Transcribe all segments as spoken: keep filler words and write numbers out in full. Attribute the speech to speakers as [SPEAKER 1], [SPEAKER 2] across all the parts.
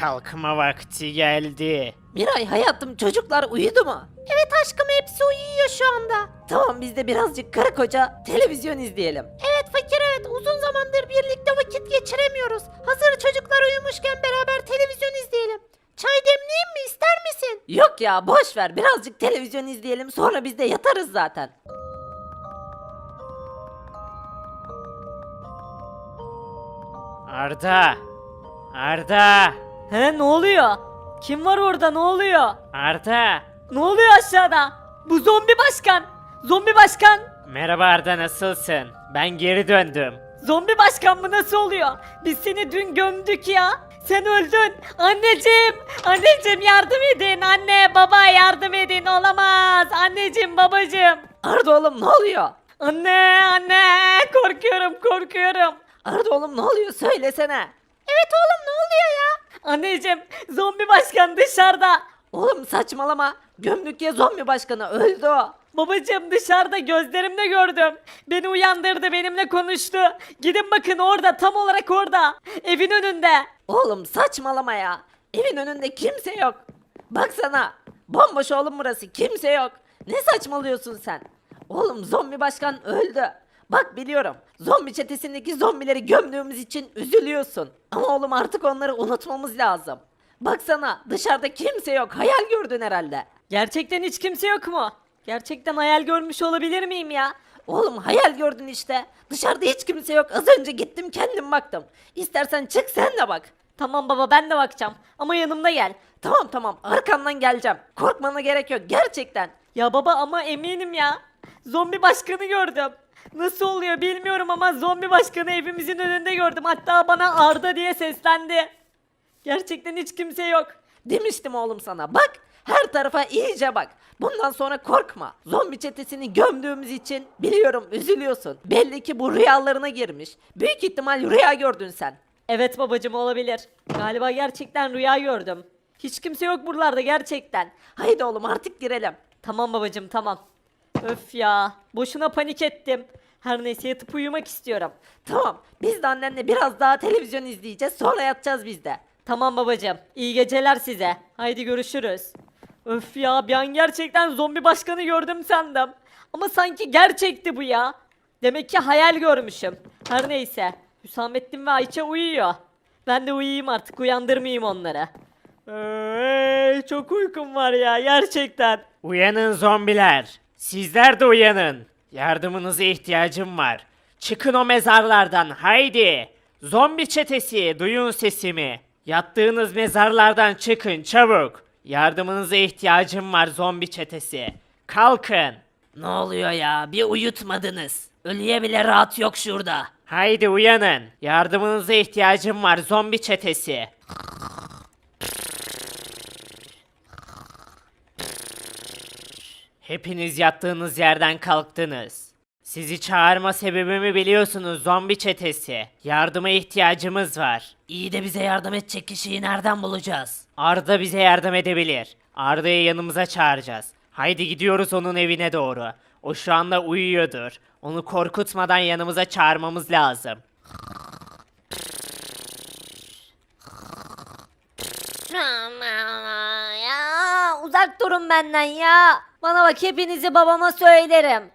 [SPEAKER 1] Kalkma vakti geldi.
[SPEAKER 2] Miray hayatım, çocuklar uyudu mu? Evet aşkım, hepsi uyuyor şu anda. Tamam, biz de birazcık karı koca televizyon izleyelim. Evet fakir, evet uzun zamandır birlikte vakit geçiremiyoruz. Hazır çocuklar uyumuşken beraber televizyon izleyelim. Çay demleyeyim mi, ister misin? Yok ya, boş ver, birazcık televizyon izleyelim, sonra biz de yatarız zaten.
[SPEAKER 1] Arda. Arda.
[SPEAKER 3] He, ne oluyor? Kim var orada, ne oluyor?
[SPEAKER 1] Arda.
[SPEAKER 3] Ne oluyor aşağıda? Bu zombi başkan. Zombi başkan.
[SPEAKER 1] Merhaba Arda, nasılsın? Ben geri döndüm.
[SPEAKER 3] Zombi başkan mı, nasıl oluyor? Biz seni dün gömdük ya. Sen öldün. Anneciğim. Anneciğim yardım edin. Anne baba yardım edin. Olamaz. Anneciğim babacığım.
[SPEAKER 2] Arda oğlum, ne oluyor?
[SPEAKER 3] Anne anne. Korkuyorum korkuyorum.
[SPEAKER 2] Arda oğlum, ne oluyor, söylesene. Evet oğlum, ne oluyor ya?
[SPEAKER 3] Anneciğim zombi başkan dışarıda.
[SPEAKER 2] Oğlum saçmalama, gömdük ya zombi başkanı, öldü o.
[SPEAKER 3] Babacığım dışarıda gözlerimle gördüm. Beni uyandırdı, benimle konuştu. Gidin bakın, orada, tam olarak orada. Evin önünde.
[SPEAKER 2] Oğlum saçmalama ya. Evin önünde kimse yok. Baksana. Bomboş oğlum burası. Kimse yok. Ne saçmalıyorsun sen? Oğlum zombi başkan öldü. Bak biliyorum. Zombi çetesindeki zombileri gömdüğümüz için üzülüyorsun. Ama oğlum artık onları unutmamız lazım. Baksana dışarıda kimse yok. Hayal gördün herhalde.
[SPEAKER 3] Gerçekten hiç kimse yok mu? Gerçekten hayal görmüş olabilir miyim ya?
[SPEAKER 2] Oğlum hayal gördün işte. Dışarıda hiç kimse yok. Az önce gittim kendim baktım. İstersen çık sen de bak.
[SPEAKER 3] Tamam baba, ben de bakacağım. Ama yanımda gel.
[SPEAKER 2] Tamam tamam, arkandan geleceğim. Korkmana gerek yok gerçekten.
[SPEAKER 3] Ya baba, ama eminim ya. Zombi başkanı gördüm. Nasıl oluyor bilmiyorum ama zombi başkanı evimizin önünde gördüm. Hatta bana Arda diye seslendi. Gerçekten hiç kimse yok.
[SPEAKER 2] Demiştim oğlum sana, bak her tarafa iyice bak. Bundan sonra korkma. Zombi çetesini gömdüğümüz için biliyorum üzülüyorsun. Belli ki bu rüyalarına girmiş. Büyük ihtimal rüya gördün sen.
[SPEAKER 3] Evet babacım, olabilir. Galiba gerçekten rüya gördüm. Hiç kimse yok buralarda gerçekten.
[SPEAKER 2] Haydi oğlum artık girelim.
[SPEAKER 3] Tamam babacım, tamam. Öf ya, boşuna panik ettim. Her neyse, yatıp uyumak istiyorum.
[SPEAKER 2] Tamam, biz de annenle biraz daha televizyon izleyeceğiz, sonra yatacağız biz de.
[SPEAKER 3] Tamam babacım, iyi geceler size. Haydi görüşürüz. Öf ya, bir an gerçekten zombi başkanı gördüm sandım. Ama sanki gerçekti bu ya. Demek ki hayal görmüşüm. Her neyse, Hüsamettin ve Ayça uyuyor. Ben de uyuyayım artık, uyandırmayayım onları. Eee, çok uykum var ya gerçekten.
[SPEAKER 1] Uyanın zombiler. Sizler de uyanın. Yardımınıza ihtiyacım var. Çıkın o mezarlardan, haydi. Zombi çetesi, duyun sesimi. Yattığınız mezarlardan çıkın çabuk. Yardımınıza ihtiyacım var zombi çetesi. Kalkın.
[SPEAKER 2] Ne oluyor ya, bir uyutmadınız. Ölüye bile rahat yok şurada.
[SPEAKER 1] Haydi uyanın. Yardımınıza ihtiyacım var zombi çetesi. Hepiniz yattığınız yerden kalktınız. Sizi çağırma sebebimi biliyorsunuz zombi çetesi. Yardıma ihtiyacımız var.
[SPEAKER 2] İyi de bize yardım edecek kişiyi nereden bulacağız?
[SPEAKER 1] Arda bize yardım edebilir. Arda'yı yanımıza çağıracağız. Haydi gidiyoruz onun evine doğru. O şu anda uyuyordur. Onu korkutmadan yanımıza çağırmamız lazım.
[SPEAKER 3] Ya uzak durun benden ya. Bana bak, hepinizi babama söylerim.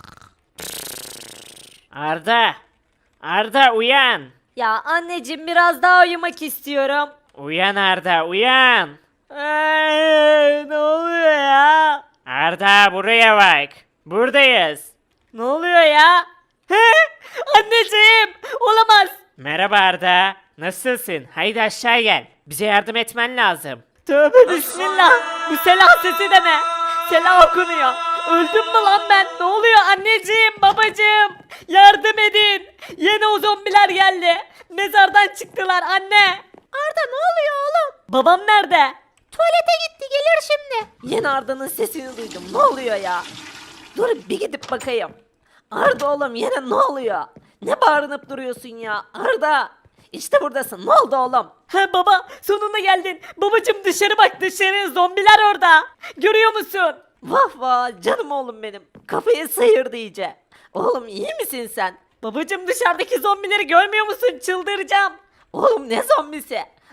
[SPEAKER 1] Arda! Arda uyan!
[SPEAKER 3] Ya anneciğim, biraz daha uyumak istiyorum.
[SPEAKER 1] Uyan Arda uyan!
[SPEAKER 3] Eee, ne oluyor ya?
[SPEAKER 1] Arda buraya bak. Buradayız.
[SPEAKER 3] Ne oluyor ya? He? Anneciğim, olamaz.
[SPEAKER 1] Merhaba Arda. Nasılsın? Haydi aşağı gel. Bize yardım etmen lazım.
[SPEAKER 3] Tövbe bismillah. Bu selah sesi de ne? Selah okunuyor. Öldüm mü lan ben? Ne oluyor anneciğim, babacığım? Yardım edin. Yine o zombiler geldi. Mezardan çıktılar anne. Arda, ne oluyor oğlum? Babam nerede?
[SPEAKER 2] Tuvalete gitti, gelir şimdi. Yine Arda'nın sesini duydum. Ne oluyor ya? Dur bir gidip bakayım. Arda oğlum, yine ne oluyor? Ne bağırınıp duruyorsun ya? Arda! İşte buradasın. Ne oldu oğlum?
[SPEAKER 3] He baba, sonunda geldin. Babacığım dışarı bak, dışarı, zombiler orada. Görüyor musun?
[SPEAKER 2] Vah vah canım oğlum benim. Kafayı sıyırdı iyice. Oğlum iyi misin sen?
[SPEAKER 3] Babacığım dışarıdaki zombileri görmüyor musun? Çıldıracağım.
[SPEAKER 2] Oğlum ne zombisi?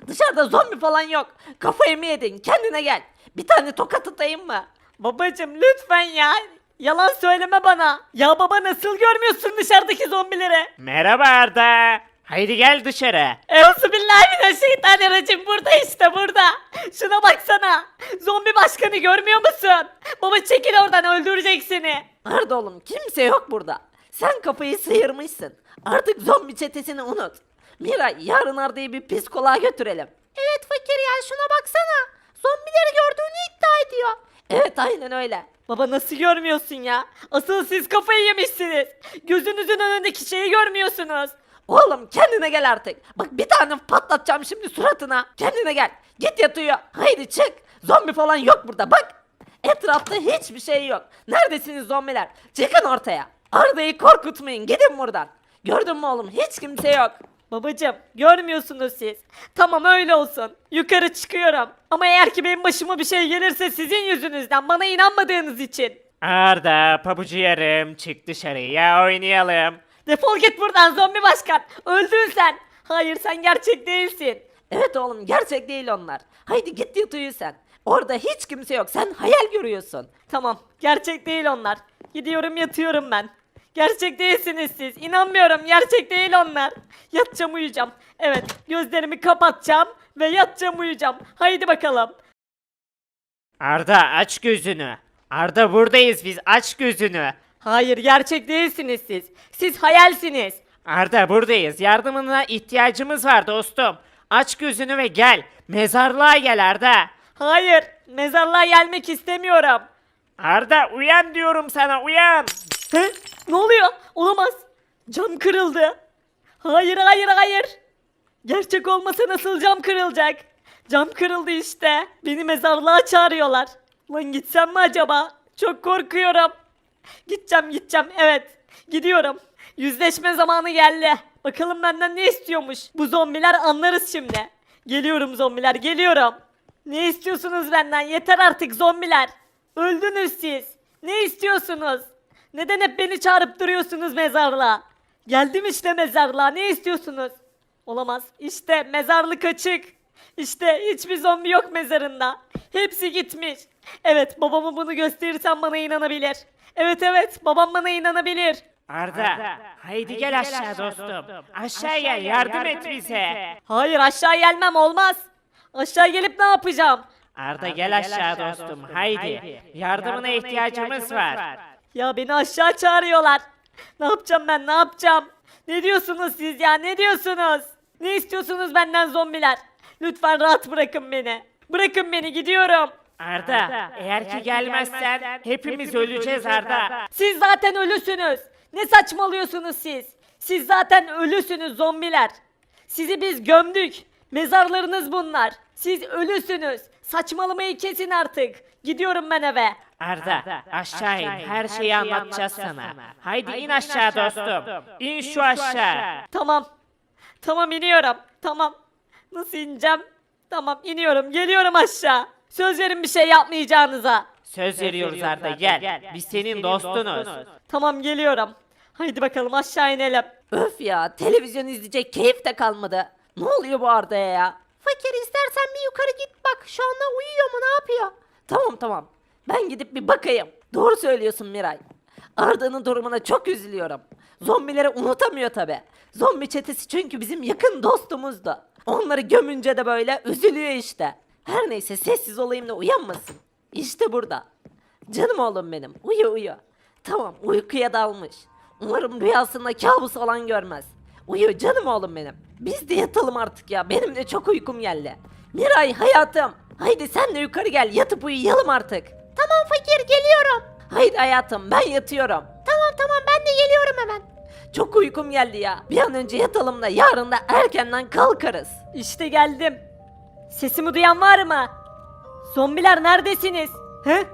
[SPEAKER 2] Dışarıda zombi falan yok. Kafayı mı yedin? Kendine gel. Bir tane tokat atayım mı?
[SPEAKER 3] Babacım lütfen ya. Yalan söyleme bana. Ya baba nasıl görmüyorsun dışarıdaki zombileri?
[SPEAKER 1] Merhaba Arda. Haydi gel dışarı.
[SPEAKER 3] Euzubillahimineşşeytanirracim burada işte burada. Şuna baksana. Zombi başkanı görmüyor musun? Baba çekil oradan öldürecek seni.
[SPEAKER 2] Arda oğlum kimse yok burada. Sen kafayı sıyırmışsın. Artık zombi çetesini unut. Miray yarın Arda'yı bir psikoloğa götürelim. Evet fakir ya şuna baksana. Zombileri gördüğünü iddia ediyor. Evet aynen öyle.
[SPEAKER 3] Baba nasıl görmüyorsun ya? Asıl siz kafayı yemişsiniz. Gözünüzün önündeki şeyi görmüyorsunuz.
[SPEAKER 2] Oğlum kendine gel artık. Bak bir tane patlatacağım şimdi suratına. Kendine gel. Git yat uyu. Haydi çık. Zombi falan yok burada bak. Etrafta hiçbir şey yok. Neredesiniz zombiler? Çıkın ortaya. Arda'yı korkutmayın. Gidin buradan. Gördün mü oğlum? Hiç kimse yok.
[SPEAKER 3] Babacım görmüyorsunuz siz. Tamam öyle olsun. Yukarı çıkıyorum. Ama eğer ki benim başıma bir şey gelirse sizin yüzünüzden bana inanmadığınız için.
[SPEAKER 1] Arda pabucu yarım çık dışarıya oynayalım.
[SPEAKER 3] Defol git buradan zombi başkan. Öldün sen. Hayır sen gerçek değilsin.
[SPEAKER 2] Evet oğlum gerçek değil onlar. Haydi git yat uyu sen. Orada hiç kimse yok. Sen hayal görüyorsun.
[SPEAKER 3] Tamam gerçek değil onlar. Gidiyorum yatıyorum ben. Gerçek değilsiniz siz. İnanmıyorum gerçek değil onlar. Yatacağım uyuyacağım. Evet gözlerimi kapatacağım ve yatacağım uyuyacağım. Haydi bakalım.
[SPEAKER 1] Arda aç gözünü. Arda buradayız biz aç gözünü.
[SPEAKER 3] Hayır gerçek değilsiniz siz. Siz hayalsiniz.
[SPEAKER 1] Arda buradayız. Yardımına ihtiyacımız var dostum. Aç gözünü ve gel. Mezarlığa gel Arda.
[SPEAKER 3] Hayır mezarlığa gelmek istemiyorum.
[SPEAKER 1] Arda uyan diyorum sana uyan.
[SPEAKER 3] He? Ne oluyor? Olamaz. Cam kırıldı. Hayır hayır hayır. Gerçek olmasa nasıl cam kırılacak? Cam kırıldı işte. Beni mezarlığa çağırıyorlar. Lan gitsem mi acaba? Çok korkuyorum. Gideceğim gideceğim evet. Gidiyorum. Yüzleşme zamanı geldi. Bakalım benden ne istiyormuş. Bu zombiler anlarız şimdi. Geliyorum zombiler geliyorum. Ne istiyorsunuz benden? Yeter artık zombiler. Öldünüz siz. Ne istiyorsunuz? Neden hep beni çağırıp duruyorsunuz mezarlığa? Geldim işte mezarlığa. Ne istiyorsunuz? Olamaz. İşte mezarlık açık. İşte hiçbir zombi yok mezarında. Hepsi gitmiş. Evet babama bunu gösterirsem bana inanabilir. Evet evet babam bana inanabilir.
[SPEAKER 1] Arda, haydi gel aşağı dostum. Aşağı gel yardım et bize.
[SPEAKER 3] Hayır aşağı gelmem olmaz. Aşağı gelip ne yapacağım?
[SPEAKER 1] Arda gel aşağı dostum haydi. Yardımına ihtiyacımız var.
[SPEAKER 3] Ya beni aşağı çağırıyorlar. Ne yapacağım ben ne yapacağım? Ne diyorsunuz siz ya ne diyorsunuz? Ne istiyorsunuz benden zombiler? Lütfen rahat bırakın beni. Bırakın beni gidiyorum.
[SPEAKER 1] Arda, eğer ki gelmezsen hepimiz öleceğiz Arda.
[SPEAKER 3] Siz zaten ölüsünüz. Ne saçmalıyorsunuz siz? Siz zaten ölüsünüz zombiler. Sizi biz gömdük. Mezarlarınız bunlar. Siz ölüsünüz. Saçmalamayı kesin artık. Gidiyorum ben eve.
[SPEAKER 1] Arda, aşağı in. Her şeyi anlatacağız sana. Haydi in aşağı dostum. İn şu aşağı.
[SPEAKER 3] Tamam. Tamam iniyorum. Tamam. Nasıl ineceğim? Tamam iniyorum. Geliyorum aşağı. Söz verin bir şey yapmayacağınıza.
[SPEAKER 1] Söz veriyoruz Arda gel. Biz senin dostunuz.
[SPEAKER 3] Tamam geliyorum. Haydi bakalım aşağı inelim.
[SPEAKER 2] Öf ya televizyon izleyecek keyif de kalmadı. Ne oluyor bu Arda'ya ya? Fakir istersen bir yukarı git bak şu anda uyuyor mu ne yapıyor? Tamam tamam ben gidip bir bakayım. Doğru söylüyorsun Miray. Arda'nın durumuna çok üzülüyorum. Zombileri unutamıyor tabi. Zombi çetesi çünkü bizim yakın dostumuzdu. Onları gömünce de böyle üzülüyor işte. Her neyse sessiz olayım da uyanmasın. İşte burada. Canım oğlum benim uyu uyu. Tamam uykuya dalmış. Umarım rüyasında kabus olan görmez. Uyu canım oğlum benim. Biz de yatalım artık ya. Benim de çok uykum geldi. Miray hayatım. Haydi sen de yukarı gel. Yatıp uyuyalım artık. Tamam fakir geliyorum. Haydi hayatım ben yatıyorum. Tamam tamam ben de geliyorum hemen. Çok uykum geldi ya. Bir an önce yatalım da yarın da erkenden kalkarız.
[SPEAKER 3] İşte geldim. Sesimi duyan var mı? Zombiler neredesiniz? He?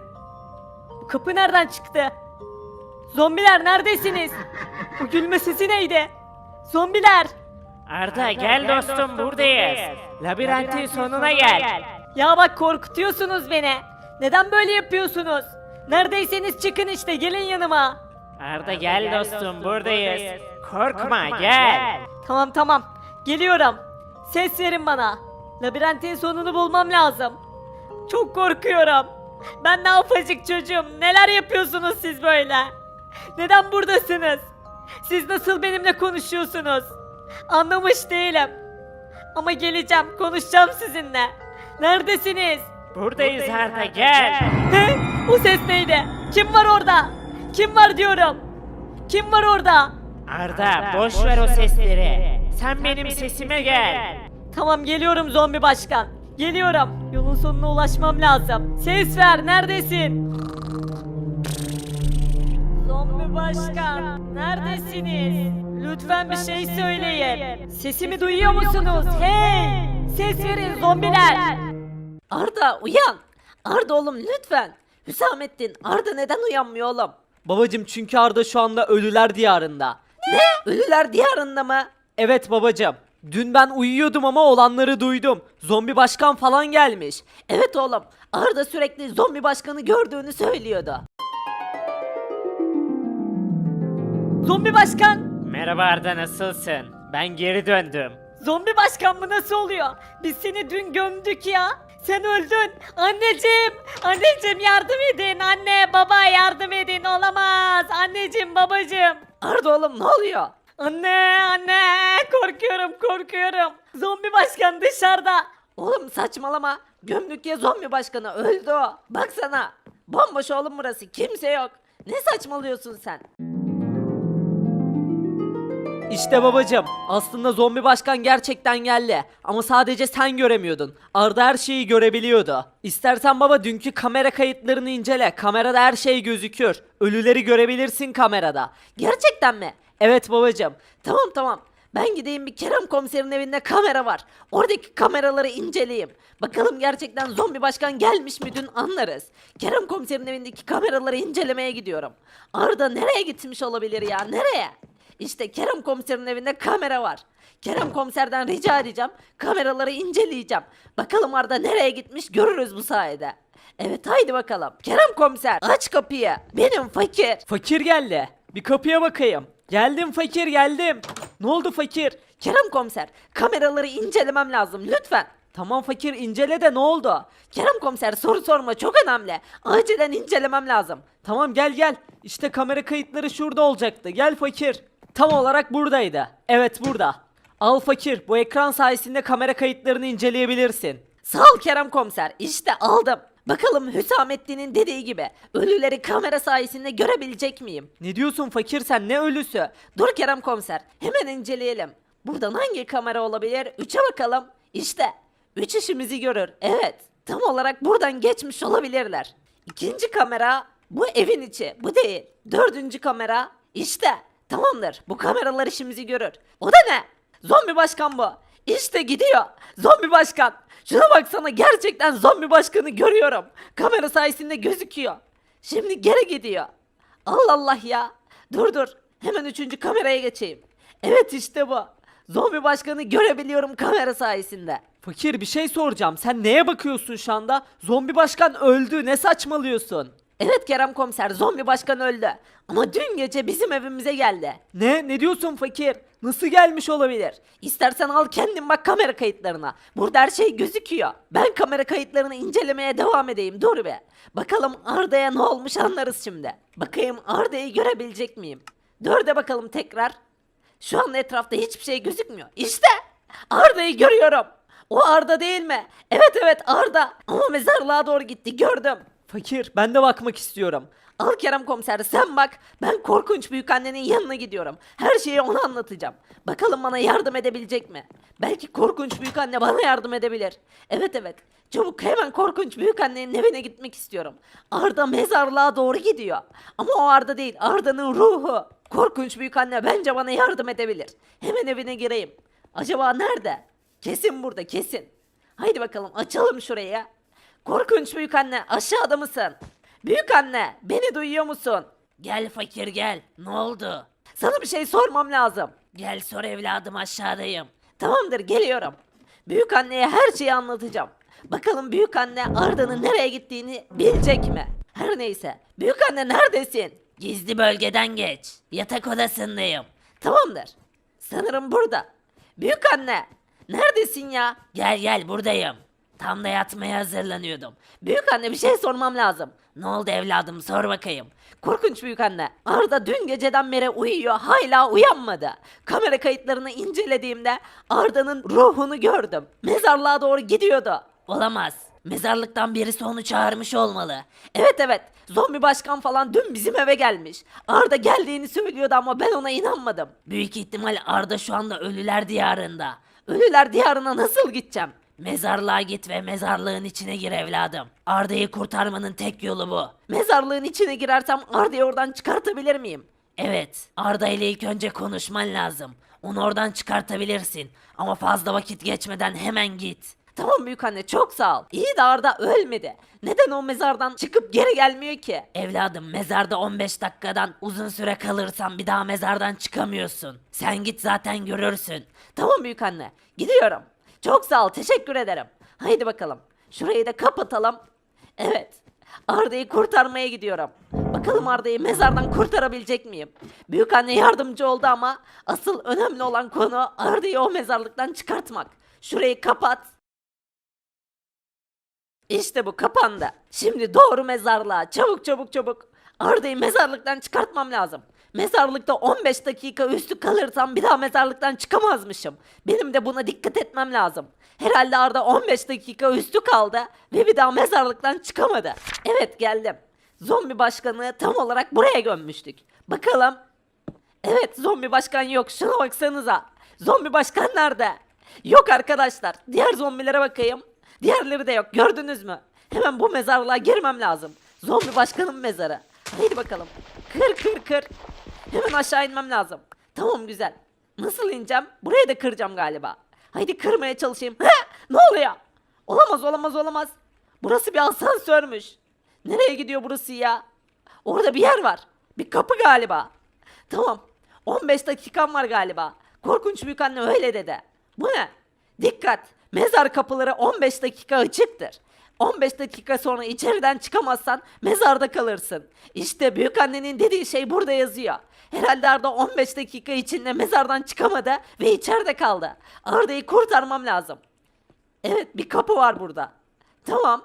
[SPEAKER 3] Bu kapı nereden çıktı? Zombiler neredesiniz? Bu gülme sesi neydi? Zombiler!
[SPEAKER 1] Arda gel dostum buradayız. Labirentin sonuna gel.
[SPEAKER 3] Ya bak korkutuyorsunuz beni. Neden böyle yapıyorsunuz? Neredeyseniz çıkın işte gelin yanıma.
[SPEAKER 1] Arda gel dostum buradayız. Korkma gel.
[SPEAKER 3] Tamam tamam. Geliyorum. Ses verin bana. Labirentin sonunu bulmam lazım. Çok korkuyorum. Ben ne yapacak çocuğum? Neler yapıyorsunuz siz böyle? Neden buradasınız? Siz nasıl benimle konuşuyorsunuz? Anlamış değilim. Ama geleceğim, konuşacağım sizinle. Neredesiniz?
[SPEAKER 1] Buradayız Arda, gel.
[SPEAKER 3] He? O ses neydi? Kim var orada? Kim var diyorum? Kim var orada?
[SPEAKER 1] Arda, boş ver o sesleri. Sen benim sesime gel.
[SPEAKER 3] Tamam geliyorum zombi başkan. Geliyorum. Yolun sonuna ulaşmam lazım. Ses ver, neredesin? Zombi başkan, neredesiniz? Lütfen bir şey söyleyin. Sesimi duyuyor musunuz? Hey! Ses verin zombiler.
[SPEAKER 2] Arda uyan. Arda oğlum lütfen. Hüsamettin, Arda neden uyanmıyor oğlum?
[SPEAKER 4] Babacım çünkü Arda şu anda ölüler diyarında.
[SPEAKER 2] Ne? Ölüler diyarında mı?
[SPEAKER 4] Evet babacım. Dün ben uyuyordum ama olanları duydum. Zombi başkan falan gelmiş.
[SPEAKER 2] Evet oğlum. Arda sürekli zombi başkanı gördüğünü söylüyordu.
[SPEAKER 3] Zombi başkan.
[SPEAKER 1] Merhaba Arda, nasılsın? Ben geri döndüm.
[SPEAKER 3] Zombi başkan mı nasıl oluyor? Biz seni dün gömdük ya. Sen öldün. Anneciğim. Anneciğim yardım edin. Anne baba yardım edin. Olamaz. Anneciğim babacığım.
[SPEAKER 2] Arda oğlum ne oluyor?
[SPEAKER 3] Anne anne korkuyorum korkuyorum. Zombi başkan dışarıda.
[SPEAKER 2] Oğlum saçmalama. Gömdük ya zombi başkanı öldü o. Baksana. Bomboş oğlum burası. Kimse yok. Ne saçmalıyorsun sen?
[SPEAKER 4] İşte babacım. Aslında zombi başkan gerçekten geldi. Ama sadece sen göremiyordun. Arda her şeyi görebiliyordu. İstersen baba dünkü kamera kayıtlarını incele. Kamerada her şey gözükür. Ölüleri görebilirsin kamerada.
[SPEAKER 2] Gerçekten mi?
[SPEAKER 4] Evet babacım.
[SPEAKER 2] Tamam tamam. Ben gideyim bir Kerem komiserin evinde kamera var. Oradaki kameraları inceleyeyim. Bakalım gerçekten zombi başkan gelmiş mi dün anlarız. Kerem komiserin evindeki kameraları incelemeye gidiyorum. Arda nereye gitmiş olabilir ya? Nereye? İşte Kerem komiserin evinde kamera var. Kerem komiserden rica edeceğim. Kameraları inceleyeceğim. Bakalım Arda nereye gitmiş görürüz bu sayede. Evet haydi bakalım. Kerem komiser aç kapıyı. Benim fakir.
[SPEAKER 4] Fakir geldi. Bir kapıya bakayım. Geldim fakir geldim. Ne oldu fakir?
[SPEAKER 2] Kerem komiser kameraları incelemem lazım lütfen.
[SPEAKER 4] Tamam fakir incele de ne oldu?
[SPEAKER 2] Kerem komiser soru sorma çok önemli. Acilen incelemem lazım.
[SPEAKER 4] Tamam gel gel. İşte kamera kayıtları şurada olacaktı. Gel fakir. Tam olarak buradaydı. Evet burada. Al fakir. Bu ekran sayesinde kamera kayıtlarını inceleyebilirsin.
[SPEAKER 2] Sağ ol Kerem komiser işte aldım. Bakalım Hüsamettin'in dediği gibi ölüleri kamera sayesinde görebilecek miyim?
[SPEAKER 4] Ne diyorsun fakir sen ne ölüsü?
[SPEAKER 2] Dur Kerem komiser hemen inceleyelim. Buradan hangi kamera olabilir? Üçe bakalım. İşte üç işimizi görür. Evet tam olarak buradan geçmiş olabilirler. İkinci kamera bu evin içi bu değil. Dördüncü kamera işte tamamdır bu kameralar işimizi görür. O da ne? Zombi başkan bu. İşte gidiyor. Zombi başkan. Şuna baksana gerçekten zombi başkanı görüyorum. Kamera sayesinde gözüküyor. Şimdi geri gidiyor. Allah Allah ya. Dur dur. Hemen üçüncü kameraya geçeyim. Evet işte bu. Zombi başkanı görebiliyorum kamera sayesinde.
[SPEAKER 4] Fakir bir şey soracağım. Sen neye bakıyorsun şu anda? Zombi başkan öldü. Ne saçmalıyorsun?
[SPEAKER 2] Evet Kerem komiser zombi başkan öldü. Ama dün gece bizim evimize geldi.
[SPEAKER 4] Ne? Ne diyorsun fakir? Nasıl gelmiş olabilir?
[SPEAKER 2] İstersen al kendin bak kamera kayıtlarına. Burada her şey gözüküyor. Ben kamera kayıtlarını incelemeye devam edeyim. Dur be. Bakalım Arda'ya ne olmuş anlarız şimdi. Bakayım Arda'yı görebilecek miyim? Dörde bakalım tekrar. Şu anda etrafta hiçbir şey gözükmüyor. İşte Arda'yı görüyorum. O Arda değil mi? Evet evet Arda. Ama mezarlığa doğru gitti gördüm.
[SPEAKER 4] Fakir ben de bakmak istiyorum.
[SPEAKER 2] Al Kerem komiser sen bak. Ben korkunç büyükannenin yanına gidiyorum. Her şeyi ona anlatacağım. Bakalım bana yardım edebilecek mi? Belki korkunç büyükanne bana yardım edebilir. Evet evet. Çabuk hemen korkunç büyükannenin evine gitmek istiyorum. Arda mezarlığa doğru gidiyor. Ama o Arda değil. Arda'nın ruhu. Korkunç büyükanne bence bana yardım edebilir. Hemen evine gireyim. Acaba nerede? Kesin burada kesin. Haydi bakalım açalım şurayı. Korkunç büyükanne aşağıda mısın? Büyükanne beni duyuyor musun? Gel fakir gel. Ne oldu? Sana bir şey sormam lazım. Gel sor evladım aşağıdayım. Tamamdır geliyorum. Büyükanneye her şeyi anlatacağım. Bakalım büyükanne Arda'nın nereye gittiğini bilecek mi? Her neyse. Büyükanne neredesin? Gizli bölgeden geç. Yatak odasındayım. Tamamdır. Sanırım burada. Büyükanne. Neredesin ya? Gel gel buradayım. Tam da yatmaya hazırlanıyordum. Büyük anne bir şey sormam lazım. Ne oldu evladım sor bakayım. Korkunç büyük anne. Arda dün geceden beri uyuyor hala uyanmadı. Kamera kayıtlarını incelediğimde Arda'nın ruhunu gördüm. Mezarlığa doğru gidiyordu. Olamaz. Mezarlıktan birisi onu çağırmış olmalı. Evet evet. Zombi başkan falan dün bizim eve gelmiş. Arda geldiğini söylüyordu ama ben ona inanmadım. Büyük ihtimal Arda şu anda ölüler diyarında. Ölüler diyarına nasıl gideceğim? Mezarlığa git ve mezarlığın içine gir evladım. Arda'yı kurtarmanın tek yolu bu. Mezarlığın içine girersem Arda'yı oradan çıkartabilir miyim? Evet. Arda ile ilk önce konuşman lazım. Onu oradan çıkartabilirsin. Ama fazla vakit geçmeden hemen git. Tamam büyük anne çok sağ ol. İyi de Arda ölmedi. Neden o mezardan çıkıp geri gelmiyor ki? Evladım mezarda on beş dakikadan uzun süre kalırsan bir daha mezardan çıkamıyorsun. Sen git zaten görürsün. Tamam büyük anne. Gidiyorum. Çok sağ ol teşekkür ederim. Haydi bakalım. Şurayı da kapatalım. Evet. Arda'yı kurtarmaya gidiyorum. Bakalım Arda'yı mezardan kurtarabilecek miyim? Büyük anne yardımcı oldu ama asıl önemli olan konu Arda'yı o mezarlıktan çıkartmak. Şurayı kapat. İşte bu kapandı. Şimdi doğru mezarlığa. Çabuk çabuk çabuk. Arda'yı mezarlıktan çıkartmam lazım. Mezarlıkta on beş dakika üstü kalırsam bir daha mezarlıktan çıkamazmışım. Benim de buna dikkat etmem lazım. Herhalde Arda on beş dakika üstü kaldı ve bir daha mezarlıktan çıkamadı. Evet geldim. Zombi başkanı tam olarak buraya gömmüştük. Bakalım. Evet zombi başkan yok. Şuna baksanıza. Zombi başkan nerede? Yok arkadaşlar. Diğer zombilere bakayım. Diğerleri de yok. Gördünüz mü? Hemen bu mezarlığa girmem lazım. Zombi başkanın mezarı. Haydi bakalım. Kır kır kır. Hemen aşağı inmem lazım. Tamam güzel. Nasıl ineceğim? Burayı da kıracağım galiba. Haydi kırmaya çalışayım. He! Ne oluyor? Olamaz olamaz olamaz. Burası bir asansörmüş. Nereye gidiyor burası ya? Orada bir yer var. Bir kapı galiba. Tamam. on beş dakikam var galiba. Korkunç büyük anne öyle dedi. Bu ne? Dikkat. Mezar kapıları on beş dakika açıktır. on beş dakika sonra içeriden çıkamazsan mezarda kalırsın. İşte büyük annenin dediği şey burada yazıyor. Herhalde Arda on beş dakika içinde mezardan çıkamadı ve içeride kaldı. Arda'yı kurtarmam lazım. Evet bir kapı var burada. Tamam.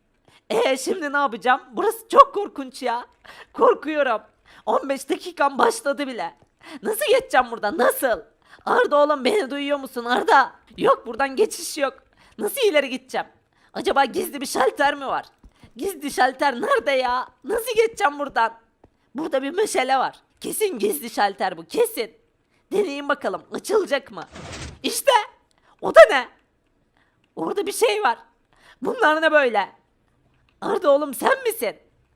[SPEAKER 2] Ee şimdi ne yapacağım? Burası çok korkunç ya. Korkuyorum. on beş dakikam başladı bile. Nasıl geçeceğim buradan? Nasıl? Arda oğlum beni duyuyor musun Arda? Yok buradan geçiş yok. Nasıl ileri gideceğim? Acaba gizli bir şalter mi var? Gizli şalter nerede ya? Nasıl geçeceğim buradan? Burada bir meşale var. Kesin gizli şalter bu kesin. Deneyin bakalım açılacak mı? İşte. O da ne? Orada bir şey var. Bunlar ne böyle? Arda oğlum sen misin?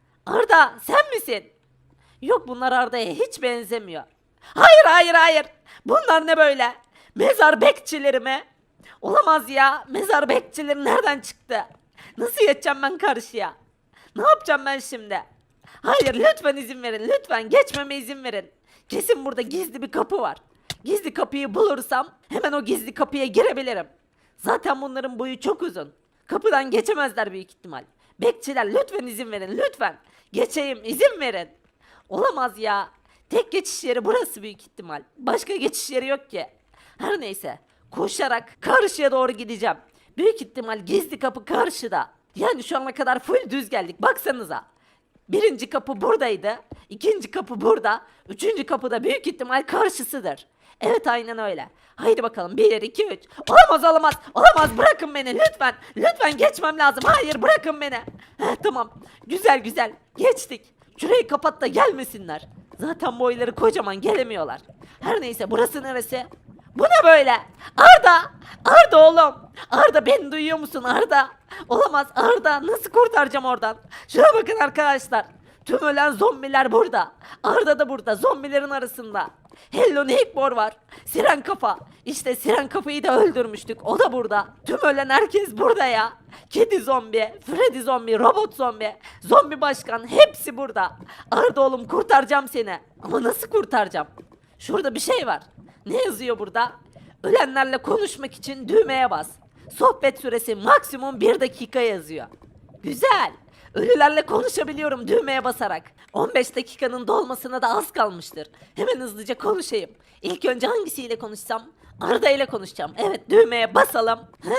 [SPEAKER 2] Arda sen misin? Yok bunlar Arda'ya hiç benzemiyor. Hayır hayır hayır. Bunlar ne böyle? Mezar bekçileri mi? Olamaz ya. Mezar bekçileri nereden çıktı? Nasıl geçeceğim ben karşıya? Ne yapacağım ben şimdi? Hayır lütfen izin verin. Lütfen geçmeme izin verin. Kesin burada gizli bir kapı var. Gizli kapıyı bulursam hemen o gizli kapıya girebilirim. Zaten bunların boyu çok uzun. Kapıdan geçemezler büyük ihtimal. Bekçiler lütfen izin verin lütfen. Geçeyim izin verin. Olamaz ya. Tek geçiş yeri burası büyük ihtimal. Başka geçiş yeri yok ki. Her neyse. Koşarak karşıya doğru gideceğim. Büyük ihtimal gizli kapı karşıda. Yani şu ana kadar full düz geldik. Baksanıza. Birinci kapı buradaydı. İkinci kapı burada. Üçüncü kapı da büyük ihtimal karşısıdır. Evet aynen öyle. Haydi bakalım bir iki üç. Olamaz olamaz. Olamaz bırakın beni lütfen. Lütfen geçmem lazım. Hayır bırakın beni. Heh, tamam. Güzel güzel. Geçtik. Şurayı kapat da gelmesinler. Zaten boyları kocaman gelemiyorlar. Her neyse burası neresi? Bu ne böyle? Arda! Arda oğlum! Arda beni duyuyor musun Arda? Olamaz Arda nasıl kurtaracağım oradan? Şuna bakın arkadaşlar. Tüm ölen zombiler burada. Arda da burada zombilerin arasında. Hello Neighbor var. Siren Kafa. İşte Siren Kafa'yı da öldürmüştük. O da burada. Tüm ölen herkes burada ya. Kedi zombi, Freddy zombi, robot zombi, zombi başkan hepsi burada. Arda oğlum kurtaracağım seni. Ama nasıl kurtaracağım? Şurada bir şey var. Ne yazıyor burada? Ölenlerle konuşmak için düğmeye bas. Sohbet süresi maksimum bir dakika yazıyor. Güzel. Ölülerle konuşabiliyorum düğmeye basarak. on beş dakikanın dolmasına da az kalmıştır. Hemen hızlıca konuşayım. İlk önce hangisiyle konuşsam? Arda ile konuşacağım. Evet, düğmeye basalım. He?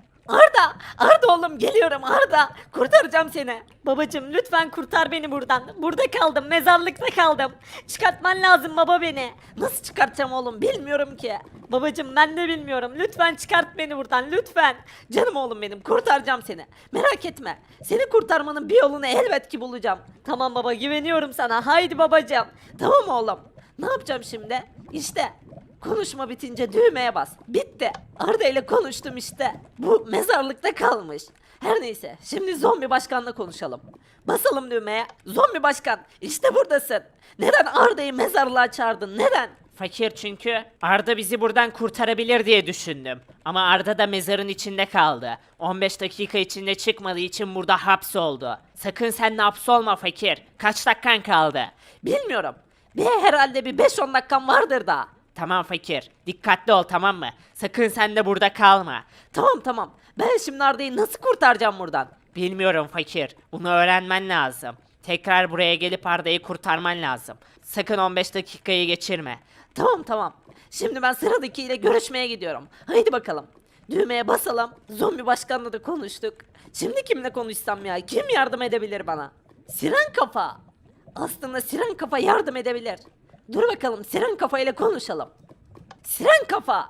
[SPEAKER 2] Arda! Arda oğlum, geliyorum Arda. Kurtaracağım seni.
[SPEAKER 3] Babacım lütfen kurtar beni buradan. Burada kaldım, mezarlıkta kaldım. Çıkartman lazım baba beni.
[SPEAKER 2] Nasıl çıkartacağım oğlum, bilmiyorum ki.
[SPEAKER 3] Babacım ben de bilmiyorum. Lütfen çıkart beni buradan lütfen.
[SPEAKER 2] Canım oğlum benim, kurtaracağım seni. Merak etme. Seni kurtarmanın bir yolunu elbet ki bulacağım.
[SPEAKER 3] Tamam baba güveniyorum sana. Haydi babacım.
[SPEAKER 2] Tamam oğlum. Ne yapacağım şimdi? İşte konuşma bitince düğmeye bas. Bitti. Arda ile konuştum işte. Bu mezarlıkta kalmış. Her neyse, şimdi zombi başkanla konuşalım. Basalım düğmeye. Zombi başkan, işte buradasın. Neden Arda'yı mezarlığa çağırdın? Neden?
[SPEAKER 1] Fakir çünkü Arda bizi buradan kurtarabilir diye düşündüm. Ama Arda da mezarın içinde kaldı. on beş dakika içinde çıkmadığı için burada hapsoldu. Sakın sen de hapsolma fakir. Kaç dakikan kaldı?
[SPEAKER 2] Bilmiyorum. Bir herhalde bir beş on dakikam vardır daha.
[SPEAKER 1] Tamam fakir. Dikkatli ol tamam mı? Sakın sen de burada kalma.
[SPEAKER 2] Tamam tamam. Ben şimdi Arda'yı nasıl kurtaracağım buradan?
[SPEAKER 1] Bilmiyorum fakir. Bunu öğrenmen lazım. Tekrar buraya gelip Arda'yı kurtarman lazım. Sakın on beş dakikayı geçirme.
[SPEAKER 2] Tamam tamam. Şimdi ben sıradakiyle görüşmeye gidiyorum. Haydi bakalım. Düğmeye basalım. Zombi başkanla da konuştuk. Şimdi kimle konuşsam ya? Kim yardım edebilir bana? Siren Kafa. Aslında Siren Kafa yardım edebilir. Dur bakalım, Siren Kafa ile konuşalım. Siren Kafa.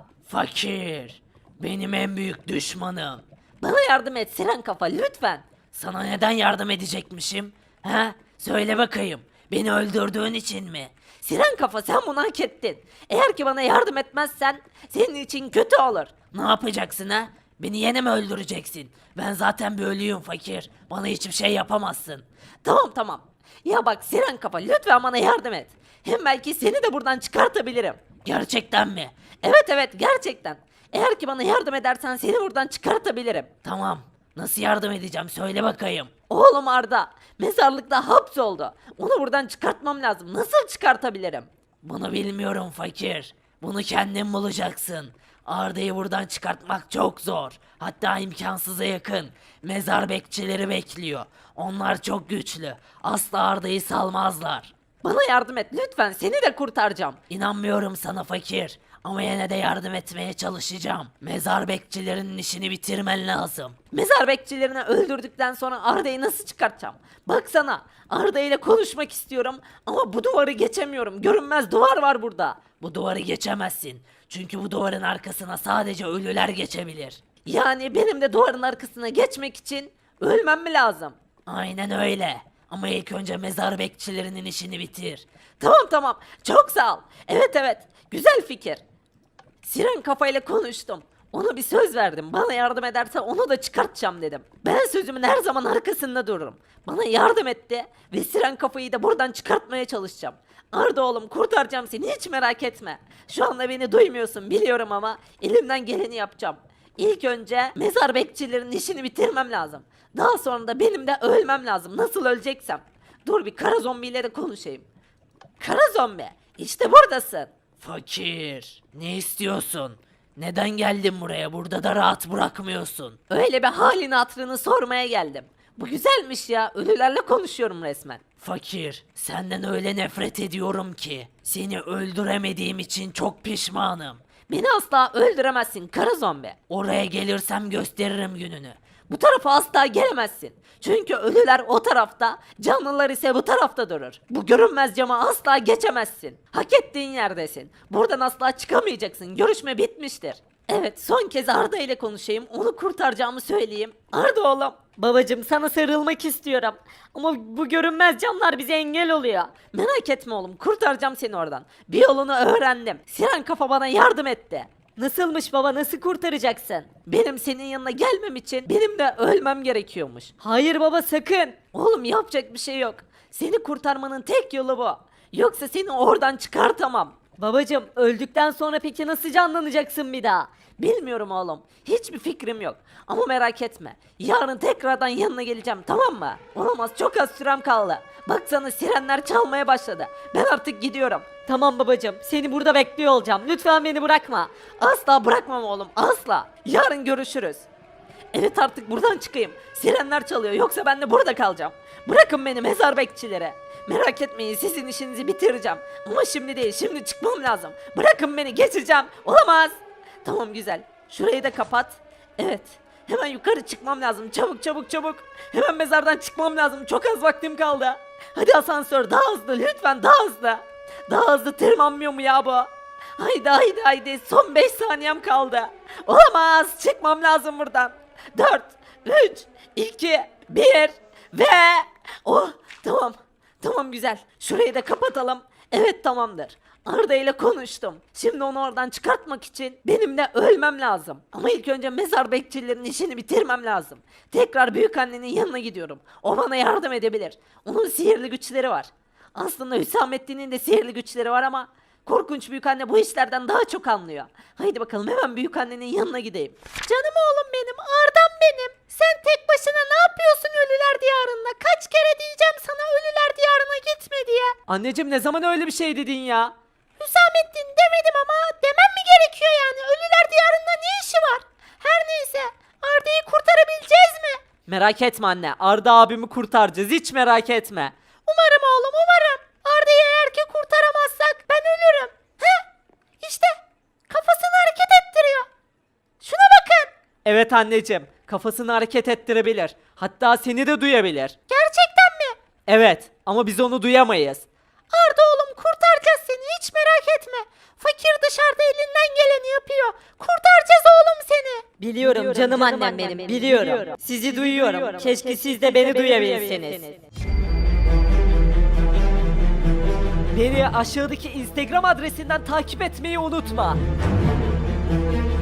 [SPEAKER 1] Fakir. Benim en büyük düşmanım.
[SPEAKER 2] Bana yardım et Siren Kafa lütfen.
[SPEAKER 1] Sana neden yardım edecekmişim? He? Söyle bakayım. Beni öldürdüğün için mi?
[SPEAKER 2] Siren Kafa, sen bunu hak ettin. Eğer ki bana yardım etmezsen senin için kötü olur.
[SPEAKER 1] Ne yapacaksın ha? Beni yine mi öldüreceksin? Ben zaten bir ölüyüm fakir. Bana hiçbir şey yapamazsın.
[SPEAKER 2] Tamam tamam. Ya bak Siren Kafa, lütfen bana yardım et. Hem belki seni de buradan çıkartabilirim.
[SPEAKER 1] Gerçekten mi?
[SPEAKER 2] Evet evet, gerçekten. Eğer ki bana yardım edersen seni buradan çıkartabilirim.
[SPEAKER 1] Tamam. Nasıl yardım edeceğim söyle bakayım.
[SPEAKER 2] Oğlum Arda mezarlıkta hapsoldu. Onu buradan çıkartmam lazım. Nasıl çıkartabilirim?
[SPEAKER 1] Bunu bilmiyorum fakir. Bunu kendin bulacaksın. Arda'yı buradan çıkartmak çok zor. Hatta imkansıza yakın. Mezar bekçileri bekliyor. Onlar çok güçlü. Asla Arda'yı salmazlar.
[SPEAKER 2] Bana yardım et lütfen, seni de kurtaracağım.
[SPEAKER 1] İnanmıyorum sana fakir. Ama yine de yardım etmeye çalışacağım. Mezar bekçilerinin işini bitirmen lazım.
[SPEAKER 2] Mezar bekçilerini öldürdükten sonra Arda'yı nasıl çıkartacağım? Baksana, Arda ile konuşmak istiyorum ama bu duvarı geçemiyorum. Görünmez duvar var burada.
[SPEAKER 1] Bu duvarı geçemezsin. Çünkü bu duvarın arkasına sadece ölüler geçebilir.
[SPEAKER 2] Yani benim de duvarın arkasına geçmek için ölmem mi lazım?
[SPEAKER 1] Aynen öyle. Ama ilk önce mezar bekçilerinin işini bitir.
[SPEAKER 2] Tamam tamam, çok sağ ol. Evet evet, güzel fikir. Siren kafayla konuştum. Ona bir söz verdim. Bana yardım ederse onu da çıkartacağım dedim. Ben sözümün her zaman arkasında dururum. Bana yardım etti ve Siren kafayı da buradan çıkartmaya çalışacağım. Arda oğlum, kurtaracağım seni, hiç merak etme. Şu anda beni duymuyorsun biliyorum ama elimden geleni yapacağım. İlk önce mezar bekçilerinin işini bitirmem lazım. Daha sonra da benim de ölmem lazım. Nasıl öleceksem. Dur bir kara zombiyle de konuşayım. Kara zombi, işte buradasın.
[SPEAKER 1] Fakir, ne istiyorsun? Neden geldin buraya? Burada da rahat bırakmıyorsun.
[SPEAKER 2] Öyle bir halini hatırını sormaya geldim. Bu güzelmiş ya. Ölülerle konuşuyorum resmen.
[SPEAKER 1] Fakir, senden öyle nefret ediyorum ki. Seni öldüremediğim için çok pişmanım.
[SPEAKER 2] Beni asla öldüremezsin kara zombi.
[SPEAKER 1] Oraya gelirsem gösteririm gününü.
[SPEAKER 2] Bu tarafa asla gelemezsin. Çünkü ölüler o tarafta, canlılar ise bu tarafta durur. Bu görünmez cama asla geçemezsin. Hak ettiğin yerdesin. Buradan asla çıkamayacaksın. Görüşme bitmiştir. Evet, son kez Arda ile konuşayım. Onu kurtaracağımı söyleyeyim. Arda oğlum.
[SPEAKER 3] Babacım sana sarılmak istiyorum. Ama bu görünmez camlar bize engel oluyor.
[SPEAKER 2] Merak etme oğlum, kurtaracağım seni oradan. Bir yolunu öğrendim. Siren kafa bana yardım etti.
[SPEAKER 3] Nasılmış baba nasıl kurtaracaksın?
[SPEAKER 2] Benim senin yanına gelmem için benim de ölmem gerekiyormuş.
[SPEAKER 3] Hayır baba sakın.
[SPEAKER 2] Oğlum yapacak bir şey yok. Seni kurtarmanın tek yolu bu. Yoksa seni oradan çıkartamam.
[SPEAKER 3] Babacım öldükten sonra peki nasıl canlanacaksın bir daha?
[SPEAKER 2] Bilmiyorum oğlum. Hiçbir fikrim yok. Ama merak etme. Yarın tekrardan yanına geleceğim, tamam mı? Olamaz, çok az sürem kaldı. Baksana sirenler çalmaya başladı. Ben artık gidiyorum.
[SPEAKER 3] Tamam babacım seni burada bekliyor olacağım. Lütfen beni bırakma.
[SPEAKER 2] Asla bırakmam oğlum, asla. Yarın görüşürüz. Evet, artık buradan çıkayım. Sirenler çalıyor, yoksa ben de burada kalacağım. Bırakın beni mezar bekçilere. Merak etmeyin, sizin işinizi bitireceğim. Ama şimdi değil, şimdi çıkmam lazım. Bırakın beni, geçeceğim. Olamaz. Tamam güzel. Şurayı da kapat. Evet. Hemen yukarı çıkmam lazım. Çabuk çabuk çabuk. Hemen mezardan çıkmam lazım. Çok az vaktim kaldı. Hadi asansör daha hızlı lütfen daha hızlı. Daha hızlı tırmanmıyor mu ya bu? Haydi haydi haydi son beş saniyem kaldı. Olamaz çıkmam lazım buradan. dört, üç, iki, bir ve... Oh tamam. Tamam güzel. Şurayı da kapatalım. Evet tamamdır. Arda ile konuştum. Şimdi onu oradan çıkartmak için benim de ölmem lazım. Ama ilk önce mezar bekçilerinin işini bitirmem lazım. Tekrar büyükannenin yanına gidiyorum. O bana yardım edebilir. Onun sihirli güçleri var. Aslında Hüsamettin'in de sihirli güçleri var ama korkunç büyükanne bu işlerden daha çok anlıyor. Haydi bakalım hemen büyükannenin yanına gideyim. Canım oğlum benim, Arda'm benim. Sen tek başına ne yapıyorsun ölüler diyarında? Kaç kere diyeceğim sana ölüler diyarına gitme diye.
[SPEAKER 4] Anneciğim ne zaman öyle bir şey dedin ya?
[SPEAKER 2] Hüsamettin demedim ama demem mi gerekiyor yani? Ölüler diyarında ne işi var? Her neyse Arda'yı kurtarabileceğiz mi?
[SPEAKER 4] Merak etme anne. Arda abimi kurtaracağız. Hiç merak etme.
[SPEAKER 2] Umarım oğlum umarım. Arda'yı eğer ki kurtaramazsak ben ölürüm. He? İşte kafasını hareket ettiriyor. Şuna bakın.
[SPEAKER 4] Evet anneciğim. Kafasını hareket ettirebilir. Hatta seni de duyabilir.
[SPEAKER 2] Gerçekten mi?
[SPEAKER 4] Evet ama biz onu duyamayız.
[SPEAKER 2] Arda oğlum kurtaracağız seni hiç merak etme. Fakir dışarıda elinden geleni yapıyor. Kurtaracağız oğlum seni.
[SPEAKER 3] Biliyorum, canım, annem benim, biliyorum. Sizi, duyuyorum. Keşke siz de beni duyabilseniz.
[SPEAKER 4] Beni aşağıdaki Instagram adresinden takip etmeyi unutma.